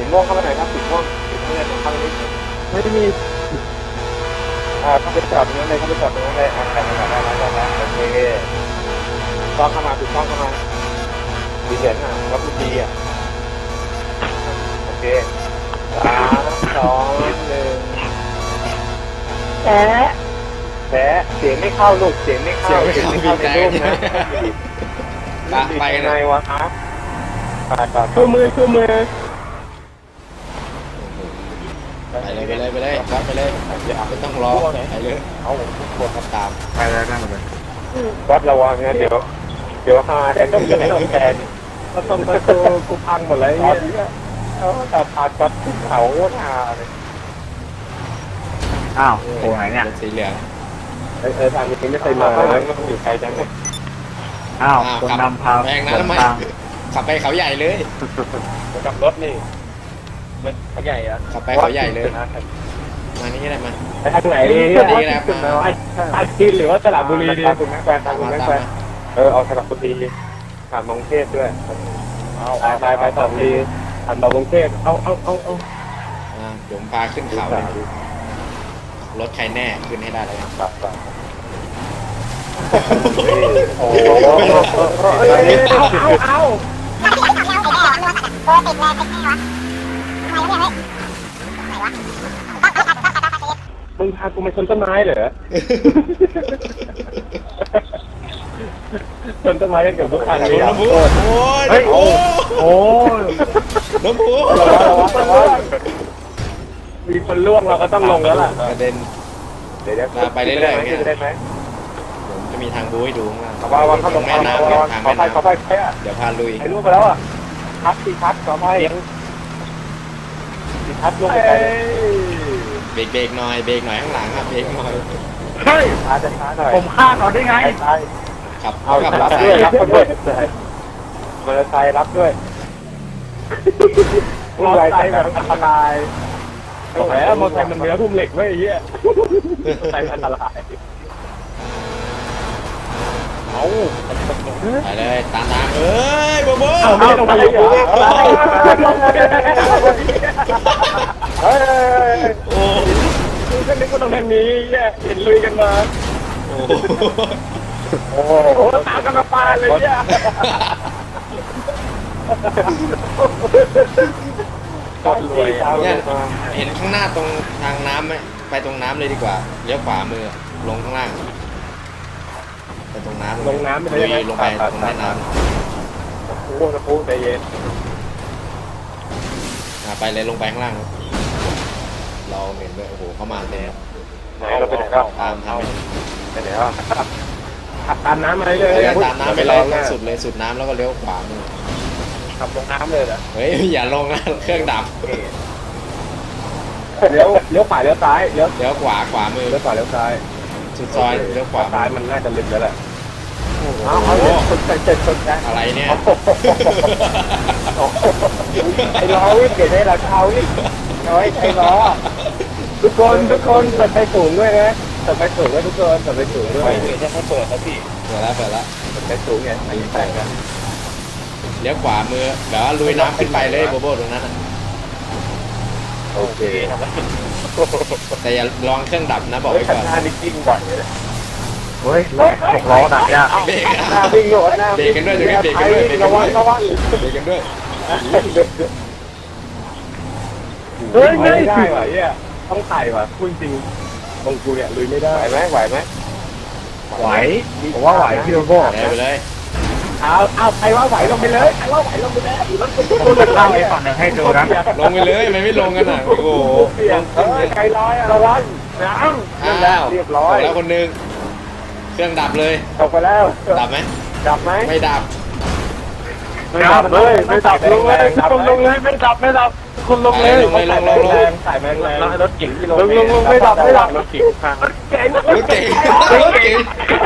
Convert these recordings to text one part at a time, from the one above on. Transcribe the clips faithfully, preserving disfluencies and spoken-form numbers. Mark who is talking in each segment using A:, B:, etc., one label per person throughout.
A: ม่วงเข้ามาหน่อยครับสีม่วงสีม่วงเลยเข้าไปนิดไม่มีอ่าเข้าไปจอดตรงนั้นเลยเข้าไปจอดตรงนั้นเลยอ่าใครมาได้แล้วได้แล้วโอเคต้องเข้ามาถูกต้องเข้ามาดีเด่นอ่ะวัตถุดีอ่ะโอเคสามสองหนึ่งแฉะแฉะเสียงไม่เข้าลูกเสียงไม่เข้าเสียงไม่เข้าในรูปนะไปกันไงวะครับชูมือชูมือ
B: ไปเลยไปเลยไปเลยครับไปเลยไม่ต้องรอไปเลยเอาทุกคนมาตาม
A: ไปแล้วนั่งเลยวัดระวังนะเดี๋ยวเดี๋ยวหาแต่ต้องจะไม่ต้องแทนก็ต้องประตูกูพังหมดเลยเนี่ยเขาแต่พากัดขึ้นเขาหาเลย
C: อ้าวโอ้ไหนเนี่ย
B: สีเหลือง
A: เออเออทางนี้ไม่เคยมาเลยมันอยู่ไกลจังเลย
C: อ้าวคนนำพา
B: แพงนะทำไมขับไปเขาใหญ่เลย
A: กับรถนี่มันเขาใหญ่อะ
B: ขับไปเขาใหญ่เลยมานี่ได้มา
A: ไปทางไหนดี
B: นี่แหละมา
A: ทางจีนหรือว่าสระบุรีดีคุณแม่แฟนทางคุณแม่แฟนเออเอาสระบุรีผ่านมงเทพด้วยเอาไปไปต่อดีผ่านต่อมงเทพเอาเอาเอาเอา
B: อ่าผมพาขึ้นเขาเลยรถใครแน่ขึ้นให้ได้เลย
A: ครับโอ้โหเอาเอาเอามึงพากูมาชนต้นไม้เหรอชนต้นไม้กันเกือบทุกคันเลย
B: น้ำพุโอ้ย
A: โอ้โห
B: น้ำพุ
A: มีคนล่วงเราก็ต้องลงแล้วล่ะ
B: กระเด็น
A: เดี๋ยว
B: ไปเรื่อยๆ
A: ได้ไหม
B: ผมจะมีทางบูให้ดูข้างล่าง
A: ว่าว่าเข้าตรงแม่น้ำทางแม่น้ำขอไปขอไป
B: เดี๋ยวพาลุย
A: ไอ้ล่วงไปแล้วอ่ะพัดตีพัดขอไปตีพัดล่วงไป
B: เบรกเบรกหน่อยเบรกหน่อยข้างหลังครับเบรกหน่อย
A: เฮ้ยช้าจะช้าหน่อย
C: ผมฆ่าเขาได้ไง
B: ขับ
A: เอาขับรับด้วยรับด้วยมอเตอร์ไซค์รับด้วยมอเตอร์ไซค์แบบอันตรายโอ้โหมอเตอร์ไซค์มันเนื้อทุ่มเหล็กไม่ไอ้เหี้ยมอเตอร์ไซค์อันตรายเอา
B: ไปเลยตามทางเอ้ยโบโบ
A: ไม่ต้องไปอยู่เฮ้ยโอ้คือฉันนึกว่าตรงนี้เนี่ยเห็นลุยกันมาโอ้โหตามกันมาปาเลยเนี่ย
B: เนี่ยเห็นข้างหน้าตรงทางน้ำไหมไปตรงน้ำเลยดีกว่าเลี้ยวขวามือลงข้างล่างไปตรงน้ำ
A: ลงน้ำไป
B: เลยลงไปตรงแม่น้
A: ำโอ้โหตะปูใจเย็น
B: ไปเลยลงไปข้างล่างเราเห็นด้วยโอ้โหเข้ามาเลย
A: ไหนเราไปไหนครับ
B: ตามทาง
A: ไปไหนครับตามน้ำมาเลย
B: ตามน้ำไปเลยสุดเลยสุดน้ำแล้วก็เลี้ยวขวามือ
A: ขับลงน้ำเลยเหรอ
B: เฮ้ยอย่าลงนะเครื่องดับ
A: เลี้ยวเลี้ยวขวาเลี้ยวซ้ายเลี้ยว
B: เลี้ยวขวาขวามือ
A: เลี้ยวขวาเลี้ยวซ้าย
B: สุดซอยเลี้ยวขวา
A: ซ้ายมันน่าจะลึกแล้วแหละเอาเอาสุดใจเจ็ดสุดใจ
B: อะไรเนี่ย
A: ไอ้ล้อวิ่งเกิดได้ราคาวิ่งน้อยไอ้ล้อทุกคนทุกคนเปิดไฟสูงด้วยนะเปิดไฟสูงด้วยทุกคนเปิดไฟสูงด้วยเดี๋ยวจะให้เปิดแล้วพี่
B: เปิดแล้วเปิดแล้ว
A: เปิดไฟสูงไงอันนี้แต่งกัน
B: เลี้ยวขวามือเดี๋ยวลุยน้ำขึ้นไปเลยโบโบตรงนั้น
A: โอเค
B: แต่อย่าลองเครื่องดับนะบอกไว้ก่อน
A: หน้านิ่งบ่อยเลย
C: เฮ้ยรถหกล้อหนักยาก
B: เบรก
A: หน้าวิ่งโหดหน้า
B: เบรกกันด้วยเบรกกันด้วยเบรกกันด้วยระวังเบรกกันด้วย
A: เฮ้ยไม่ได้ว่ะเนี่ยต้องไต่ว่ะพูดจริงตรงกูเนี่ยลุยไม่ได้ไหวไหมไหวไหม
C: ไหวผมว่าไหวพี่โบโบ
B: ไปเลย
A: เอาเอาใครว่าไหวลงไปเลยใครว่าไหวลงไปเลยรถกู
C: เล่าไอ้ฝั่งหนึ่งให้ดูนะ
B: ลงไปเลยไม่ไม่ลงกันอ่ะโอ้โห
A: ใครลอยระวังน้ำเรียบร้อย
B: แล้วคนนึงเครื่องดับเลย
A: ตกไปแล้ว
B: ดับไหม
A: ดับไหม
B: ไม่ดับ
A: ไม่ดับเลยไม่ดับลงเลยลงลงเลยไม่ดับไม่ดับคุณลงเลย
B: ลงเลยลงลงลง
A: ใส่แมงแรงรถเก๋งที่ลงลงลงไม่ดับไม่ดับรถเก๋งรถเก๋ง
B: รถเก๋งรถเก๋ง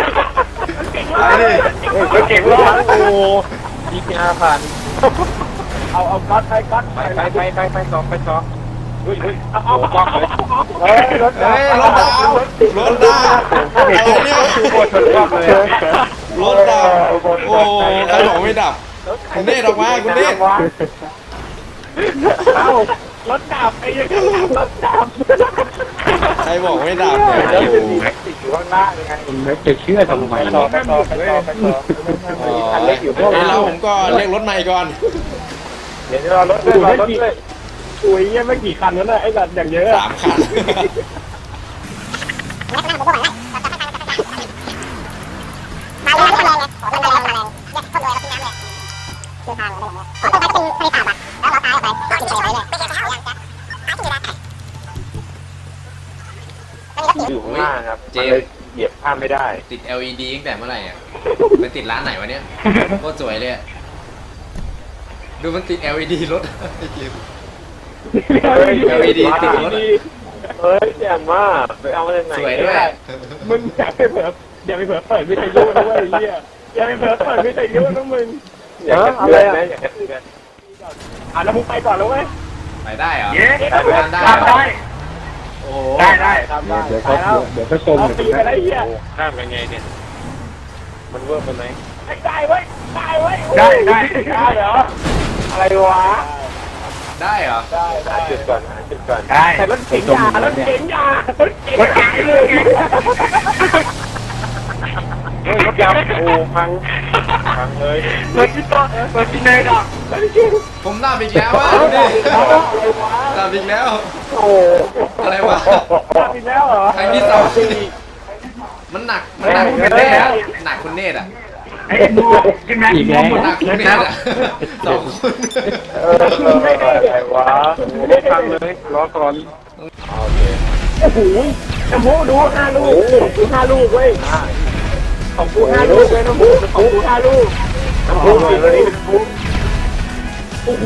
A: รถเก๋งรถโอ้ยี่สิบห้าพันเอาเอาก๊อตไปก๊อตไปไปไปไปไปสองไปสองเฮ้ยเฮ้ยเอาเอาก๊อตเลยเฮ้ยรถดาว
B: รถดาวรถดาวอะไรเนี่ยรถดาวโอ้ใครบอกไม่ดับคุณเนตออกมาคุณเนต
C: เอ้ารถดับไอ้ยังรถดับ
B: ใครบอกไม่ดับเนี่ย
A: แล้วจะมีติดอยู่ข้างหน้ายังไง
C: คุณไม่จะเชื่อทำไม
A: ไปต่อไปต่อไปต่อไปต่อ
B: อ๋อ
A: คันเล็กอยู่พวก
B: เอ้ย
A: เรา
B: แล้วผมก็เรียกรถใหม่ก่อน
A: เดี๋ยวรอรถด้วยรอรถด้วย
C: อุ้ยยังไม่กี่คันแล้วนะไอ้สัตว์อย่างเยอะ
B: สามคัน
D: มาเลยมาเลยไงโอ้มันมาแรงมาแรงเนี่ยคนรวยเราทิ้งน้ำเลยคือทางเราได้อย่างเงี้ยอ๋อต้องไปเป็นทะเลสาบอ่ะแล้วเราตายออกไปก็กินไปเลยไม่ใช่แล้วหาที่อยู่แล้ว
A: อยู่ข้างหน้าครับเลยเหยียบข้ามไม่ได้
B: ติด แอล อี ดี ตั้งแต่เมื่อไหร่อ่ะไปติดร้านไหนวะเนี่ยโคตรสวยเลยอะดูมันติด แอล อี ดี รถ
A: เฮ้ย
B: แอล อี ดี ติดรถ
A: เฮ้ยแจ่มมากไปเอามาจากไหน
B: สวยด้วย
C: มึงอย่าไปเผลออย่าไปเผลอเปิดวิทยุนะเว้ยไอ้เหี้ยอย่าไปเผลอเปิดวิทยุนะมึง
A: อยากจะเตือนนะอยากจะเตือน
C: อ่ะแล้วมึงไปก่อนแล้วเว้ย
B: ไปได้เหรอ
C: เย้
B: ทำได้
C: ทำได้
B: โอ้โห
C: ได้ได้ทำได้เดี๋ยวเขาเดี๋ยวเขาชมเอาปีไปได้เหี้ย
A: ข้ามยังไงเนี่ยมันเวิร์กมันไหม
C: ได้เว้ยได้เว้ยได้ได้ได้เหรอ
A: อะไรวะ
B: ได้เหรอ
C: ได้
A: หาจุดก่อนหาจุดก่อน
C: ได้แต่รถเก๋งยารถเก๋งยารถเก๋งรถเก๋งเลย
A: เฮ้ยรถยาวโอ้พังพังเลย
C: รถที่ต่อรถที่ไหนดอกรถที่
B: ผมดับอีกแล้วอ่ะดูดิดับอีกแล้ว
A: โอ้
B: อะไรวะ
C: ทำอีกแล้วเหรอ
B: ครั้งที่สองมันหนัก มันหนักคุณเนตอะหนักคุณเนตอะ
C: ไอ้ดูขึ้นมาอีกแล้ว
B: หนักคุณเนตอะสองคน
A: เอออะไรวะไม่พังเลยรอก่อนโอเค
C: โอ้โหน้ำพุดูห้าลูกดูห้าลูกเว้ยของกูห้าลูกเลยน้ำพุของกูห้าลูก
A: น้ำพุหน่อยเลยน้ำพุ
C: โอ้โห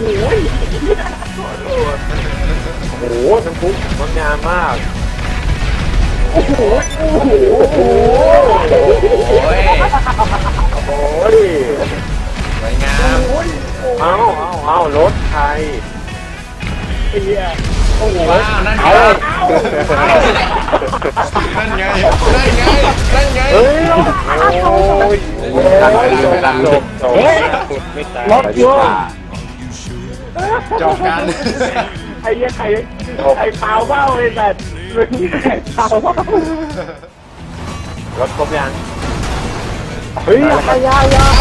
A: โอ้โหน้ำพุงดงามมาก
C: โอ้โหโอ้โหโอ้โห
B: โอ้ย
A: โอ้ย
B: สวยงาม
A: เอาเอาเอารถไทย
C: ไอ้เหี้ยโอ้โห
B: ว้าวนั่นไง นั่นไง นั่นไง นั่นไง
A: เฮ้ยโอ้ยดันเลยดันลงเฮ้ยไม่ตาย
C: รถโยง
B: จบกัน
C: ไอ้เหี้ยใครใครเปล่าเบ้าเลยแต่มึงใครเปล่าเบ้าร
A: ถครบยัง
C: เฮ้ยยายายา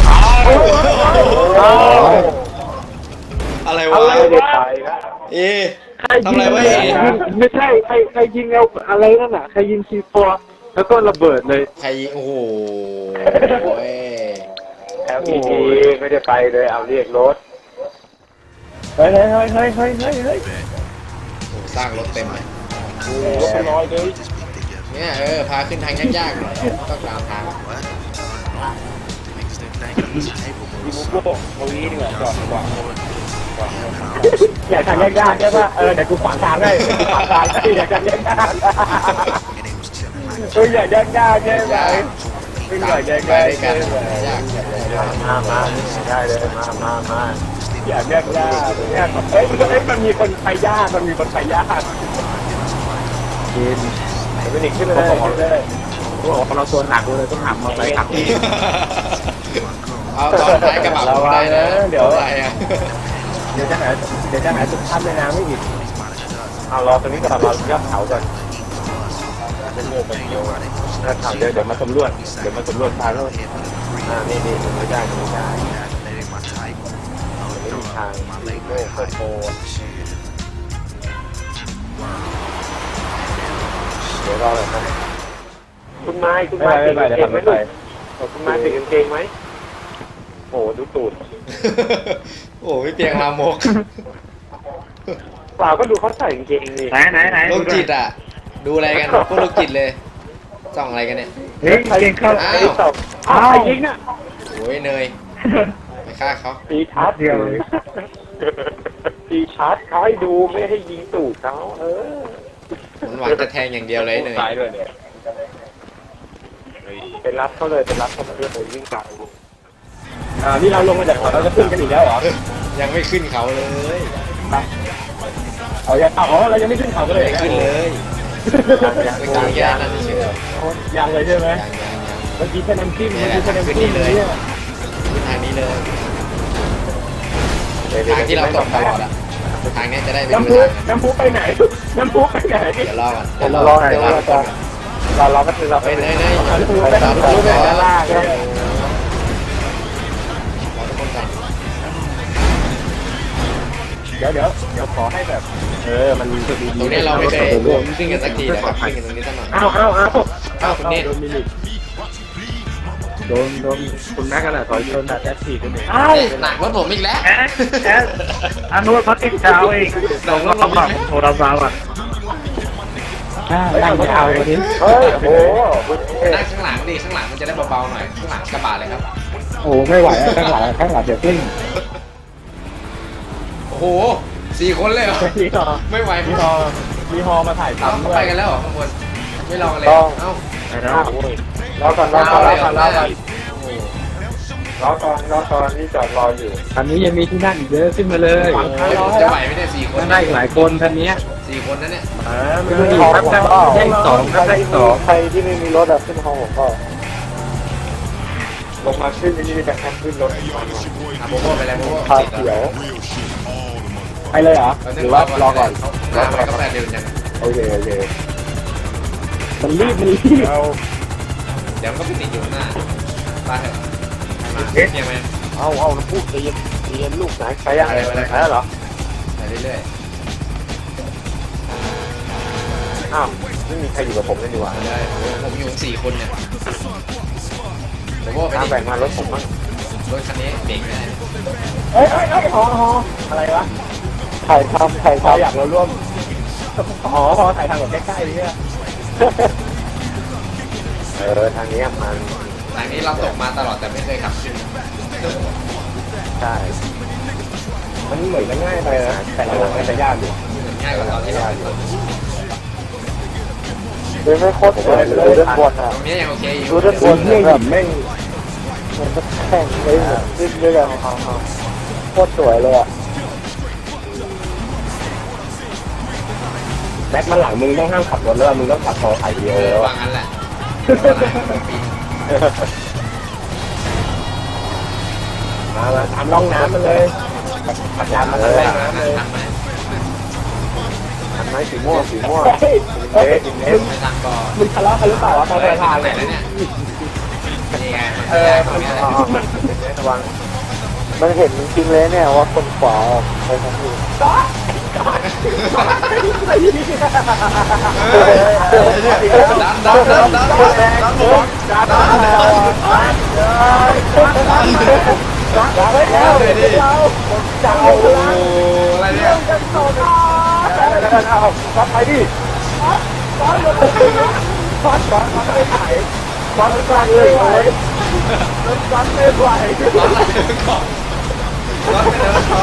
B: อะไร
A: อะ
B: วะ
A: ไรไม่ได้ไปครับ
B: เอทำอะไรวะเอ
C: ไม่ใช่ใครใครยิงเอาอะไรนั่นน่ะใครยิงซีโฟแล้วก็ระเบิดเลย
B: ใครโอ้โหโอ้ย
A: แอลพีดีไม่ได้ไปเลยเอาเรียกรถ
C: เฮ้ยเฮ้ยเฮ้ยเฮ้ยเฮ้ยเฮ้ยเฮ้ย
B: โอ้สร้างรถเต็มเลย
C: รถเป็นร้อยเลย
B: เนี่ยเออ พาขึ้นทางยากๆหน่อยต้องตามทาง
C: มีบุกโลกตรงนี้ดีกว่าจอดดีกว่าอยากทางยากๆใช่ป่ะเออเดี๋ยวกูขวางทางให้ขวางทางให้อยากทางยากๆเอออยากยากๆใช่ไหมไม่อยากยาก
B: ไปด้วย
C: ๆ
B: กั
C: ใช่
B: น
C: ไหม
B: ยาก
A: มามาได้เลยมามามา
C: อยากยากยากเนี่ยเฮ้ยเฮ้ยมันมีคนไปยากมันมีคนไปยาก
A: กินเป็นอีกขึ้นเลย
C: บอกเลยว่าเราตัวหนักเลยต้องหักมาไปขับ
B: เอาตอนท้ายกระบะผมได้นะเดี๋ยวอะไรอ่ะ
C: เดี๋ยวจะหาเดี๋ยวจะหาจุดทับในน้ำไม่อีก
A: เอารอตรงนี้ก่อนรอยอดเขาก่อนเป็นเรื่องเป็นเดียวนะถามเดี๋ยวเดี๋ยวมาสำรวจเดี๋ยวมาสำรวจทางแล้วอ่านี่นี่ไม่ได้ไม่ได้ไม่มีทางโลกโตเดี๋ยวรอเลยนะคุณไม้คุณไม้ติดกางเกงไหมลูกคุณไม้ติดกางเกงไหมโอ้ดูตูด
B: โอ้พี่เปียงลามก
A: เปล่าก็ดูเขาใส่กางเกงดิ
C: ไหนไหนไหน
B: โรคจิตอ่ะ ดูอะไรกันพวกโรคจิตเลยส่องอะไรกันเนี่ย
C: เฮ้ยเก่งเข้า
B: อ้า
A: ไอ้
B: ว
A: สองอ้าวยิงอ่ะ
B: โอ้ยเนยไปฆ่าเขา
A: ตีชาร์จเดียวตีชาร์จเขาให้ดูไม่ให้ยิงตูดเขาเออ
B: มันหวังจะแทงอย่างเดียวเลยเนย
A: ตายด้วยเนี่ยเป็นรับเขาเลยเป็นรับเขาเพื่อไปวิ่งกลับ
C: อ่านี่เราลงมาจากเขาเราจะขึ้นกันอีกแล้วเหรอ
B: ยังไม่ขึ้นเขาเลย
C: เอาอย่าอ๋อเรายังไม่ขึ้นเขากันเลย
B: ไม่ขึ้นเลยไปกลางแย่นั่นเฉย
C: ยังเลยใช่ไหม
B: ยังยังยัง
C: เมื่อกี้แค่น้ำจิ้มเมื่อกี้แค่น้ำจิ้มเนี่ย
B: ขึ้นทางนี้เลยทางที่เราตกตลอดอะทางเนี้ยจะได้เป็น
C: น้ำ
B: เว
C: พุ
B: ลา
C: น้ำพุไปไหนน้ำพุไปไหน
B: เดี๋ยวรอก่อน
A: เดี๋ยวรอหน่อย
B: เดี๋ยวรอ
A: ว่า
B: ก่
A: จะ
B: อน
A: รอรอก็คือเรา
B: เฮ้ยเฮ้ยเฮ้ย
C: น้ำพุ
B: ร
C: ไป
B: อ
C: ไหน
B: ทุกคน
C: น้ำพุไป
B: ก่อน
C: ด้านล่างเนี่ย
B: รอทุกคนก่อน
C: เดี๋ยวเดี๋ยวเดี๋ยวขอให้แบบ เออมันจะดี
B: ตรงเนี้ยเราไม่เคยขึ้นกันสักทีนะครับขึ้นกันตรงนี้สักหน่อย
C: เอาเอาเอา
B: อ้าวคุณเนต
C: โดนมิลิโดนโดนคุณแม่กันแหละถอยโดนแท็กซี่คนนี้ไอ้
B: หนักรถผมอีกแล้ว
C: แอ๊ะแอ๊ะอันนู้นเขาติดเช้าเองเราก็ลำบากโทรศัพท์อ่ะนั่งยาวเลยที
A: เฮ้ยโอ้โห
B: นั่งข้างหลังดิข้างหลังมันจะได้เบาๆหน่อยข้างหลังกระบะเลยครับ
C: โอ้ไม่ไหวข้างหลังข้างหลังเดี๋ยวขึ้น
B: โอ้โหสี่คนเลยเหรอ
C: มีฮอ
B: ไม่ไหว
C: มีฮอมีฮอมาถ่าย
B: เอ้า
C: ทำ
B: เขา
C: ด้ว
B: ไป
C: ย
B: กันแล้วเหรอข้างบนไม่รอกันเลยเอ้า
C: ไปแล้ว
A: รอก่อนรอก่อนรอก่อนรอก่อน
B: โอ้โห
A: รอก่อนรอก่อนนี่จอดรออยู่
C: คันนี้ยังมีที่นั่งอีกเยอะขึ้นมาเลย
B: จะไหวไหมเนี่ยสี่คน
C: นั่งได้อีกหลายคนคันนี้
B: สี่คนนั้นเนี่ย
C: อ่าไม่รู้ดีครับได้ได้อีกสองครับได้อีกสอง
A: ใครที่ไม่มีรถอะขึ้นห้องผมก็ลงมาขึ้นนี่จะแค่ขึ้นรถ
B: อ่ะโบโบไปเลยโบโบ
A: พาเขียว
C: ไปเลยเหรอหรือว่ารอก่อน
B: หน้าไปก็แปดเดือนจัง
A: โอเคโอเค
C: มันรีบมันรีบ
A: เรา
B: เดี๋ยวมันก็ไปติดอยู่ข้างหน้าไปเถอะมาเพียงไหม
A: เอาเอาพูดตีนตีนลูกไหนใครยังอะไรอะไรเหรอ
B: ไปเรื่อย
A: อ้าวไม่มีใครอยู่กับผมเลยดีกว่า
B: ๆไปเลยผมอยู่สี่คนเนี่ยโบโบไป
A: ตาม
B: ดิ
A: แบ่งมารถผมบ้าง
B: รถคันนี้เด็กไม่ได้
C: เอ้ยเอ้ยเอ้ยฮอฮออะไรวะ
A: ถ่ายทำถ่าย
C: ฮอ
A: ทำ
C: อยากเราร่วมอ๋อฮอถ่ายทางแบบใกล้ๆเนี่ย
A: เออทางนี้มัน
B: ทางนี้เราตกมาตลอดแต่ไม่เคยขับขึ้น
A: ใช่
C: มันเหมือนจะง่ายไปนะแต่หลังๆมันจะยากอยู่
B: ง่ายกว่าตอนที่เราขึ้น
A: เลยไม่โคตรเลยเลยด้านบนอ่ะ
B: ตรงนี้ยังโอเคอยู่
A: ดูด้านบน
C: เรื่องหยิบแม่ง
A: มันจะแข่งเลยเหมือนขึ้นด้วยกันโคตรสวยเลยอ่ะ
C: แบ็คมาหลังมึงต้องห้ามขับรถแล้วมึงต้องขับฮอถ่ายวีดีโอแล้ว
B: วางงั้นแหละ
C: มามาตามร่องน้ำมันเลยขับยานมาเลยน้ำเลย
B: ทำไหม
A: อันไม้สีม่วงสีม่วง
C: เฮ้ย
A: เอ๊ะสีเอ๊ะ
B: ไม่ทางก่อน
C: มึงทะเลาะกันหรือเปล่าวะตอนเดินทาง
B: ไหน
C: เนี่ย
B: แล้วเนี่ยนี่ไง
C: เออ
B: ตรงนี้แหละ
A: ระวังมันเห็นจริงเลยเนี่ยว่าคนขวาไปทางนี้
B: ดันดันดันดันดันหมดดันดันดัน
C: จับไปแล้วเราจับ
B: โอ้
C: พลัง
B: อะไรเนี่ย
C: เอาฟัดไปดิฟัดฟัดฟัดฟัดไม่ไหวฟัดฟัดเลยไหวฟัดไม่ไหว
B: ร้อนอะไรก่อนร้อนไปแล้วร้อน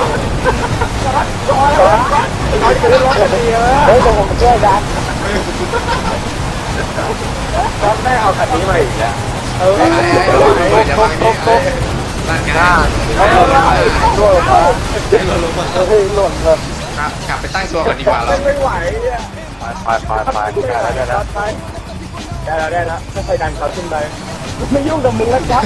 C: เอาไปรถกันดีเลย
A: เฮ้ยผมช่วยดัน
C: ฟัดได้เอาคันนี้มาอีกแล้วเออ
B: ไอ้ไอ้ไอ้อย่าวางนี่ไอ้ร่างกาย
A: เอาลงมาช่วยมา
B: ลงมา
A: เฮ้ยหล่นเลย
B: กลับไปตั้งตัวก่อนดีกว่าเรา
C: ไม่ไหวเนี่ย
A: ไปไปไปได้แล้วได้แล้ว
C: ได้แล้วได้แล้วค่อยๆดันเขาขึ้นไปไม่ยุ่งกับมึงแล้วจ๊ะ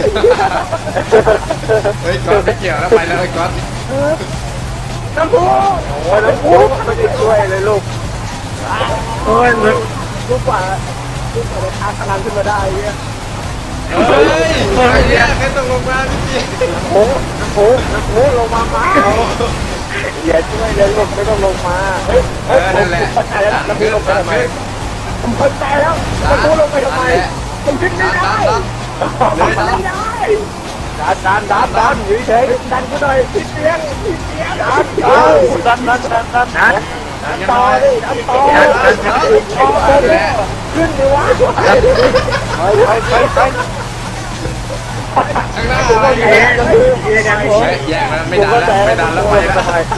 B: เฮ้ยก๊อตไม่เกี่ยวแล้วไปแล้วไอ้ก๊อต
C: น้ำพุ
A: โอ้ยน้ำพุไม่ได้ช่วยเลยลูก
C: โอ้ยลูกกว่าลูกกว่าจะทานพลังขึ้นมาได้เนี่ย
B: เฮ้ยไอ้เนี่ยใครต้องลงมาพี่
A: น้ำพุน้ำพุน้ำพุลงมามาอย่าช่วยเลยลูกไม่ต้องลงมาเฮ้ย
B: เออนั่นแหละ
C: เข้าใจแล้ว
B: ดัน
C: น้ำพุ
B: ขึ้น
C: ลงไป
B: ดัน
C: ทำไม
B: ขึ้น
C: ผมเข้าใจแล้วน้ำพุลงไปทำไมผมขึ้นไม่
B: ดัน
C: ได้
B: ดันดันเลยดัน
C: ไม่ได้ดันดันดันดันอยู่เฉยดันกูหน่อยติดเตียงติดเตียงดันดันดันดันดันดันดันต่อดิดันต่อขึ้นดิวะ
A: ไปไปไปไป
B: ข้างหน้า
C: ผม
B: อะไร
C: ก็
B: อยู่
C: แย่
B: เนี่ย
C: แย่ยังผม
B: แย่แล้วไม่ดันแล้วไม่ดันแล้วไปแล้ว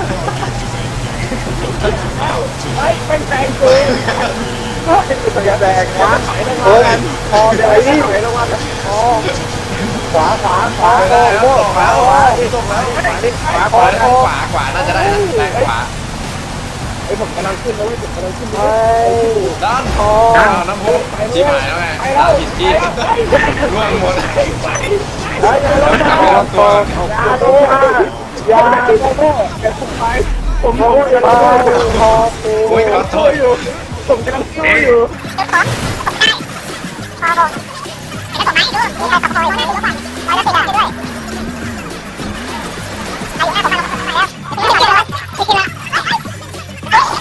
C: เฮ้ยเป็นแตงกูอย่าแดงขวาไหลลง
A: เฮ้
C: มาย
A: พอเดี๋ยวไอ้นี่ไหลลงมาพอขวาขวาขวา
B: ไม่ได้แล้ว
A: โอ้
B: ตก
A: ขวา
B: แล้ว
A: ขวา
B: ตกแล้ว
A: ขวา
B: ข
A: ขวาว
B: าขวาขวาน่าจะได้นะแรงขวา
C: ไอ้ผมกำลังขึ้นแล้วผมกำลังขึ้น
A: เฮ้ย
B: ด้านคอน้ำพุชิบหายแล้วไงด้านผิดที่ร่วงหมด
C: เฮ้ยอย่าลง
B: กลับ
C: มา
B: ไปลงตัว
C: อย่าลงมายาที่แม่แกผมไปผมโง่จะมาพอ
B: โอ้ยขอโทษ
C: อยู่ผมกำลังสู้อยู่
D: พอบอกไอ้ก็ส่งมาให้ดูมีใครขับคอยอยู่นะดูก่อนคอยแล้วติดอ่ะด้วยใครอยู่หน้าผมมาผมมาแล้วไม่กินแล้วไม่กินแล้ว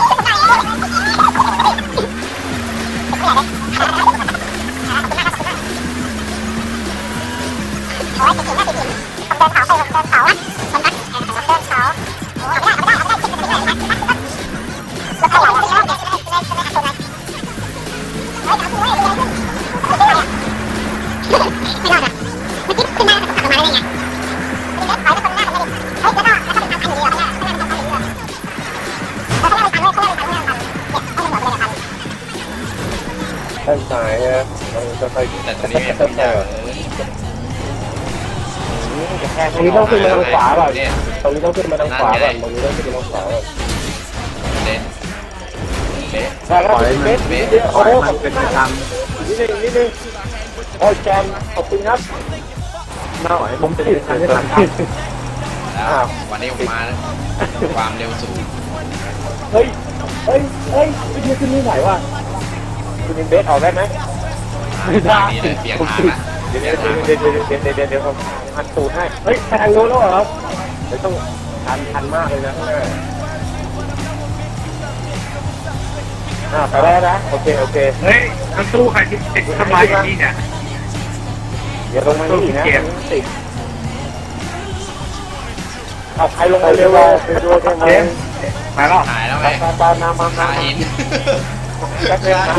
D: โอ้ยติดกินนะติดกินผมเดินเขาไปผมเดินเขาอ่ะมันนักผมเดินเขาโอ้ยไม่ได้ไม่ได้ไม่ได้ติดติดเลยนะรถใครไหลติดเลยติดเลยติดเลยติดเลยติดเลยเฮ้ยถามคุณว่าอะไรขึ้นติดเลยอ่ะไม่รอดอ่ะเมื่อกี้ขึ้นมาขับมาได้ไงมีรถถอยไปคนหน้าผมเลยเฮ้ยแล้วก็แล้วก็เป็นทางพันเดียวข้างหน้าข้างหน้าเป็นทางพันเดียวแล้วข้างหน้าเป็นทางเลยข้างหน้าเป็นทางเรื่องพันเนี่ยเอาหมดเลยพัน
A: ด้านซ้ายอะมันจะไป
B: แต่ตรงนี้ไม่ได้เลย
C: ตรงนี้ต้องขึ้นมาทางขวาก่อน
B: เนี่ย
C: ตรงนี้ต้องขึ้นมาทางขวาก่อนตรงนี้ต้องขึ้นมาทางขวาก่อน
B: เละเละ
C: ได้แล้วเมตร
B: เละ
C: โอ้โหมันเป็นทางนิดนึงนิดนึงโอ้ยแจมขอบคุณครับน่าหน่อยผมจะทางที่ทางครับ
B: แล้ววันนี้ผมมานะความเร็วสูง
C: เฮ้ยเฮ้ยเฮ้ยไม่ใช่ขึ้นไม่ไหวว่ะคุณยิงเบสออกได้ไหม
B: ไม่ได้นี่เลยเปลี่ยนทางละ
A: เดี๋ยวเดี๋ยวเดี๋ยวเดี๋ยวเดี๋ยวเดี๋ยวเดี๋ยวเดี๋ยวผมหันตูดให้
C: เฮ้ยทางโน้นแล้วเหรอเดี๋ยวต้องทันทันมากเลยนะ
A: อ่าไปได้นะโอเคโอเค
C: เฮ้ยมันตู้ใครที่ติดทำไมอย่างนี้เนี่ย
A: เดี๋ยวลงมานี่นะติดเอาใครลงมาเร็วไปดูได้ไหม
C: มาแล้ว
B: หายแล้ว
A: ตา
B: ไง
A: ตาตาน้ำมา
B: ขา
A: น้ำ
B: หิน
A: จักเล่นนะ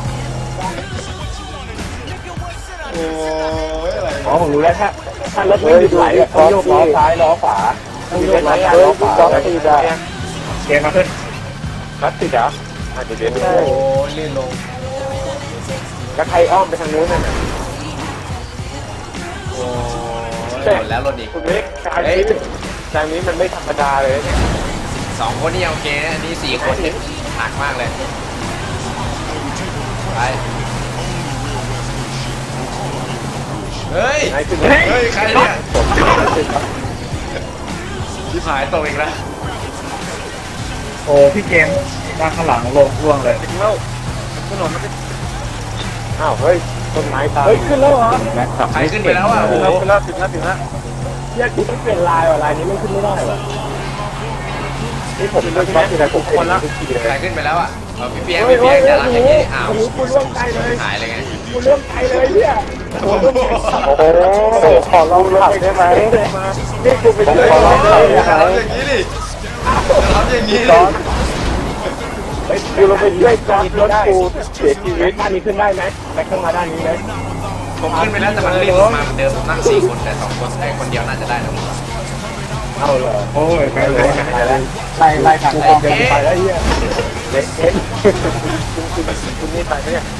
B: โอ้ยอะไร
C: อ๋อผมรู้แล้วถ้าถ้ารถไม่หยุดไหลต้องโยกล้อซ้ายล้อขวาต้องโยกล้อซ้าย
A: เฮ้ย
C: ล้อขวา
A: จอดติดอ่ะ
C: เกมมาขึ้น
A: รัดติดอ่ะเดี๋ยวเดี๋ยว
B: โอ้ยลื่นลง
A: แล้วใครอ้อมไปทางนู้นน่ะ
B: โอ้ยหมดแล้วรถอีก
A: คุณเล็กทางนี้ทางนี้มันไม่ธรรมดาเลยเนี่ย
B: สองคนนี่โอเคนะอันนี้สี่คนเนี่ยหนักมากเลยไปเฮ้ย
A: ไอ้ขึ้น
B: เฮ้ยใครเนี่ยที่หายตกอีกแล้ว
C: โอ้พี่เกมด้านข้างหลังลงร่วงเลย
A: ถึงแล้วถนนมันอ้าวเฮ้ยต้นไม้ตาย
C: เฮ้ยขึ้นแล้วเหรอ
B: ใครขึ้นไปแล้วอ่ะโอ้
A: ถึง
B: โห
A: แล้วถึงแล้วถึงแล้วถึงแล้ว
C: เนี่ยกูไม่เปลี่ยนลายว่ะลายนี้ไม่ขึ้นไม่ได้ว่ะ
A: นี่ผมเป็นช็อตที่ไหนผมคนละทุกทีเลย
B: ใครขึ้นไปแล้วอ่ะเออพี่เปียกพี่เปียกจะรักอย่างนี้อ้าว
C: โอ้โหกูร่วงใจเลย
B: หายเลยไง
C: กูเริ่มใจเลยเนี่ย
B: โอ้โห
A: โอ้โหขอลองขับได้ไหมนี่คุณเป็นขอลองขับ
B: อย่า
A: ได้ไหม
B: ทำอย่างนี้ดิอย่าทำอย่างนี้
A: จ
B: ดิ
A: อดเฮ้ยคือเราไปช่วยจอดรถกูเสียชีวิต
C: ด้านนี้ขึ้นได้ไหมไปข้างมาด้านนี้ไหม
B: ผมขึ้นไปแล้วแต่มันรีบลงมาเหมือนเดิมผมนั่งสี่คนแต่สองคนไอ้คนเดียวน่าจะได้นะผมว่า
C: เอาเหรอโอ้ยไปเลยไล่ไล่กันไปไปแล้วเฮีย
A: เล็กเอ็นคุณคุณคุณนี่ไปไหมเนี่ย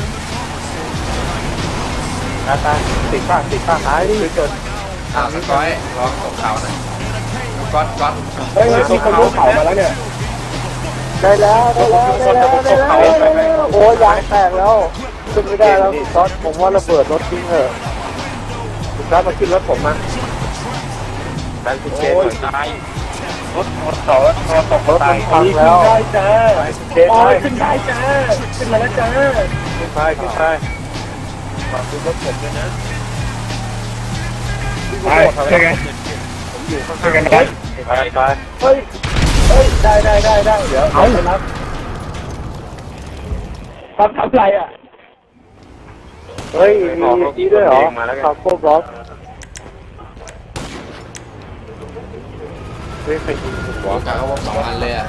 A: ตาตาติดป้าติดป้าหายไปจน
B: อ้าวสกอยร้องตกเขานะก๊อตก๊อต
C: เฮ้ยมีคนยกเขามาแล้วเนี่ย
A: ได้แล้วได้แล้วได้แล้วได้แล้วโอ้ยยางแตกแล้วขึ้นไม่ได้แล้วซอสผมว่าระเบิดรถทิ้งเถอะคุณซอสมาขึ้นรถผมมาดันคุณเจนหน่อยตายรถรถต่อรถตกรถมันพังแล้ว
C: ได้จ้า
A: เจน
C: โอ้
A: เลย ย
C: ขึ้นได้จ้าขึ้นมาแล้วจ้า
A: ขึ้นไปขึ้นไปฝากคุณรถผมด้วยนะ
C: ไปช่วยกัน
A: ผมอยู่ข้าง
C: ช่วยกัน
A: ๆ
C: ไป
A: ไปไป
C: เฮ้ยเฮ้ยได้ได้ได้ได้เดี๋ยวเอาไปรับรับทำไรอ่ะ
A: เฮ้ยมีนี่ด้วยเหรอคาโก้บล็อกเฮ้ยใครยิงผม
B: หัว
A: วะ
B: กาเขาบอกสองอันเลยอ่ะ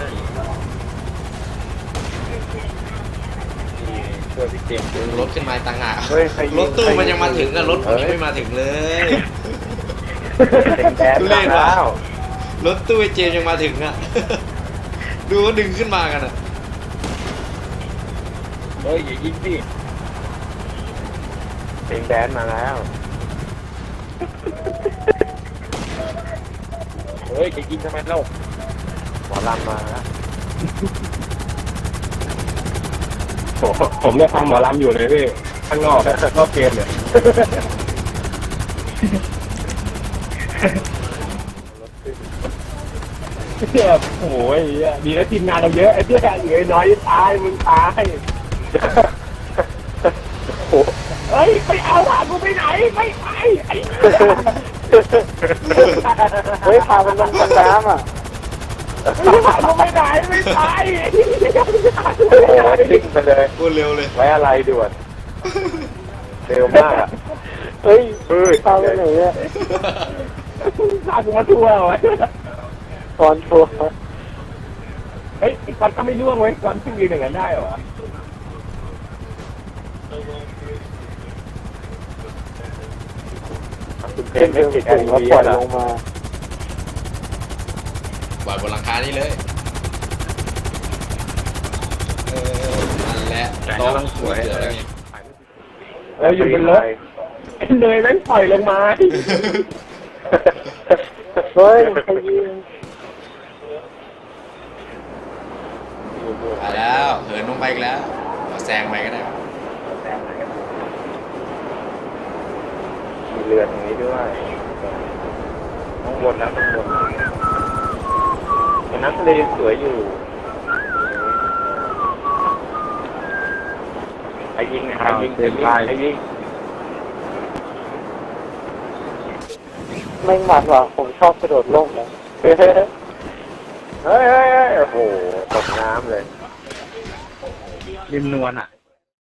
A: เพื่อพี่เจมส์
B: รถขึ้นมาต่างหาก
A: เฮ้ยใครยิง
B: รถตู้มันยังมาถึงอ่ะรถผมยังไม่มาถึงเลย
A: เป็นแดนมาแล้ว
B: รถตู้ไอ้เจมส์ยังมาถึงอ่ะ ดูเขาดึงขึ้นมากันอ่ะ
A: เฮ้ยอย่ายิงสิเป็นแดนมาแล้วเฮ้ยจะยิงทำไมเล่าหมอลำมาแล้ว
C: ผมเนี่ยฟังหมอลำอยู่เลยพี่ข้างนอกนอกเกมเนี่ย
A: ร
C: เนี่ยโอ้ยดีนะทีมงานเราเยอะไอ้เนี่ยเหลือน้อยตายมึงตายโอ้เฮ้ยไปเอาหากูไปไหนไม่ไปไอ้เฮ้ยพามันลงน้ำอ่ะพากูไปไหนไม่ไปโอ้ยทิ้งไปเลย
B: พูดเร็วเลย
C: ไว้อะไรด่วนเร็วมากอ่ะเฮ้ยเฮ้ยพาไปไหนอ่ะพากูมาทัวร์ไว้ตอนทัวร์เฮ้ยก่อนก็ไม่ร่วงเว้ยก่อนขึ้นยืนอย่างนั้นได้เหรอคุณเพนไม่ติดแอร์ดีปล่อยลงมา
B: ปล่อยบนหลังคานี่เลยเออนั่นแหละโต๊ะสวยเสือแล้วไง
C: แล้วอยู่บนรถไอ้เนยแม่งปล่อยลงมาเฮ้ยใครยิง
B: ไปแล้วเหินลงไปอีกแล้วเอาแซงไปก็ได้
C: มีเรือตรงนี้ด้วยข้างบนนะข้างบนแต่น้ำทะเลยังสวยอยู่ไอ้ยิงไอ้ยิงไอ้ยิงไอ้ยิงไม่หมัดว่ะผมชอบกระโดดล่มเลยเฮ้ยเฮ้ยเฮ้ยโอ้โหตกน้ำเลยริมนวลอ่ะ